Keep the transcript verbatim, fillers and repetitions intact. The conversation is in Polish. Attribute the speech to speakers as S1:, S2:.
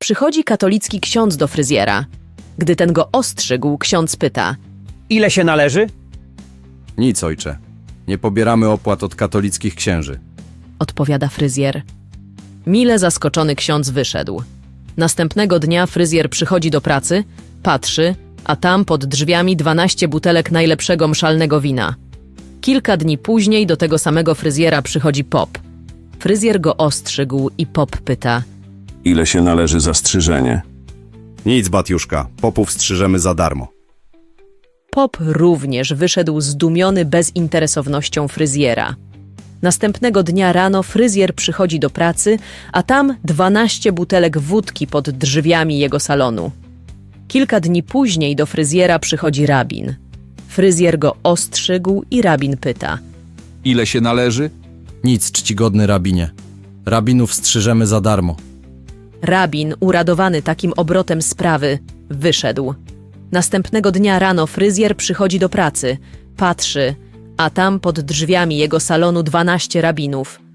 S1: Przychodzi katolicki ksiądz do fryzjera. Gdy ten go ostrzygł, ksiądz pyta:
S2: Ile się należy?
S3: Nic, ojcze. Nie pobieramy opłat od katolickich księży.
S1: odpowiada fryzjer. Mile zaskoczony ksiądz wyszedł. Następnego dnia fryzjer przychodzi do pracy, patrzy, a tam pod drzwiami dwanaście butelek najlepszego mszalnego wina. Kilka dni później do tego samego fryzjera przychodzi pop. Fryzjer go ostrzygł i pop pyta:
S4: Ile się należy za strzyżenie?
S3: Nic, Batiuszka. Popów strzyżemy za darmo.
S1: Pop również wyszedł zdumiony bezinteresownością fryzjera. Następnego dnia rano fryzjer przychodzi do pracy, a tam dwanaście butelek wódki pod drzwiami jego salonu. Kilka dni później do fryzjera przychodzi rabin. Fryzjer go ostrzygł i rabin pyta:
S5: Ile się należy?
S3: Nic, czcigodny rabinie. Rabinów strzyżemy za darmo.
S1: Rabin, uradowany takim obrotem sprawy, wyszedł. Następnego dnia rano fryzjer przychodzi do pracy, patrzy, a tam pod drzwiami jego salonu dwanaście rabinów.